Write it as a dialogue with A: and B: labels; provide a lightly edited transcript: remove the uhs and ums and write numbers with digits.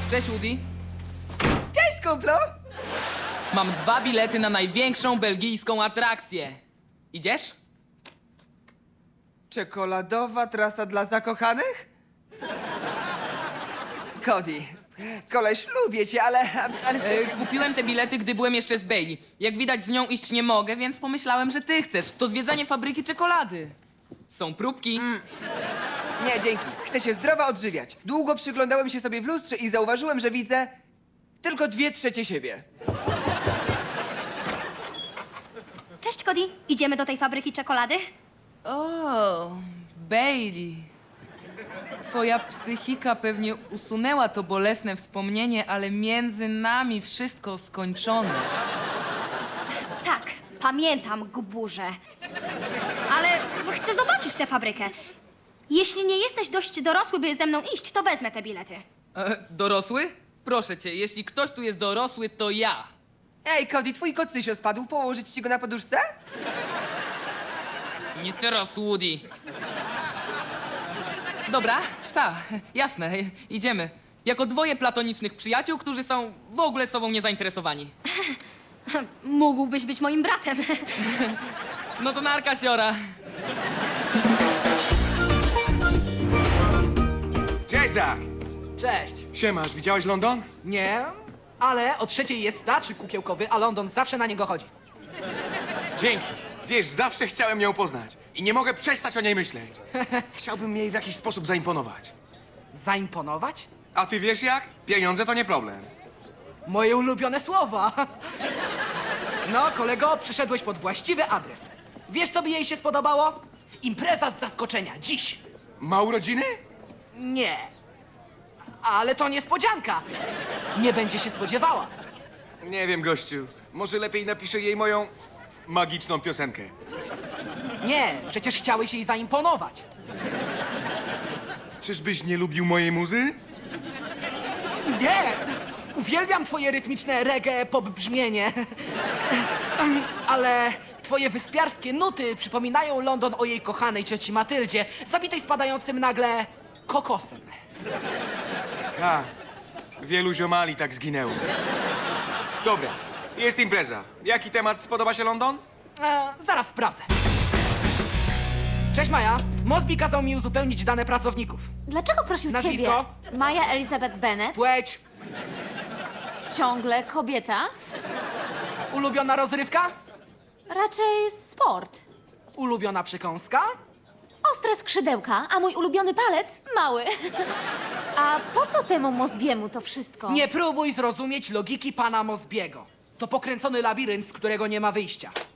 A: Cześć, Woody.
B: Cześć, kumplu!
A: Mam 2 bilety na największą belgijską atrakcję. Idziesz?
B: Czekoladowa trasa dla zakochanych? Cody, koleś, lubię cię, ale...
A: Kupiłem te bilety, gdy byłem jeszcze z Bailey. Jak widać, z nią iść nie mogę, więc pomyślałem, że ty chcesz. To zwiedzanie fabryki czekolady. Są próbki.
B: Nie, dzięki. Chcę się zdrowo odżywiać. Długo przyglądałem się sobie w lustrze i zauważyłem, że widzę tylko 2/3 siebie.
C: Cześć, Cody. Idziemy do tej fabryki czekolady?
A: O, Bailey. Twoja psychika pewnie usunęła to bolesne wspomnienie, ale między nami wszystko skończone.
C: Tak, pamiętam, guburze. Ale chcę zobaczyć tę fabrykę. Jeśli nie jesteś dość dorosły, by ze mną iść, to wezmę te bilety.
A: Dorosły? Proszę cię, jeśli ktoś tu jest dorosły, to ja.
B: Ej, Cody, twój kocysio spadł. Położyć ci go na poduszce?
A: Nie teraz, Woody. Dobra, jasne, idziemy. Jako 2 platonicznych przyjaciół, którzy są w ogóle sobą niezainteresowani.
C: Mógłbyś być moim bratem.
A: No to narka, siora.
D: Cześć, Zach!
E: Cześć.
D: Siemasz, widziałeś London?
E: Nie, ale o 3:00 jest teatrzyk kukiełkowy, a London zawsze na niego chodzi.
D: Dzięki. Wiesz, zawsze chciałem ją poznać i nie mogę przestać o niej myśleć. Chciałbym jej w jakiś sposób zaimponować.
E: Zaimponować?
D: A ty wiesz jak? Pieniądze to nie problem.
E: Moje ulubione słowa. No, kolego, przyszedłeś pod właściwy adres. Wiesz, co by jej się spodobało? Impreza z zaskoczenia, dziś.
D: Ma urodziny?
E: Nie. Ale to niespodzianka. Nie będzie się spodziewała.
D: Nie wiem, gościu. Może lepiej napiszę jej moją magiczną piosenkę.
E: Nie, przecież chciałeś jej zaimponować.
D: Czyżbyś nie lubił mojej muzy?
E: Nie! Uwielbiam twoje rytmiczne reggae pop brzmienie. Ale twoje wyspiarskie nuty przypominają London o jej kochanej cioci Matyldzie, zabitej spadającym nagle kokosem.
D: Tak. Wielu ziomali tak zginęło. Dobra, jest impreza. Jaki temat spodoba się London?
E: Zaraz sprawdzę. Cześć, Maja. Mosby kazał mi uzupełnić dane pracowników.
F: Dlaczego prosił
E: Nazwisko?
F: ciebie? Maja Elizabeth Bennet?
E: Płeć,
F: Ciągle kobieta?
E: ulubiona rozrywka,
F: Raczej sport.
E: ulubiona przekąska.
F: Ostre skrzydełka, a mój ulubiony palec mały. A po co temu Mosbiemu to wszystko?
E: Nie próbuj zrozumieć logiki pana Mosbiego. To pokręcony labirynt, z którego nie ma wyjścia.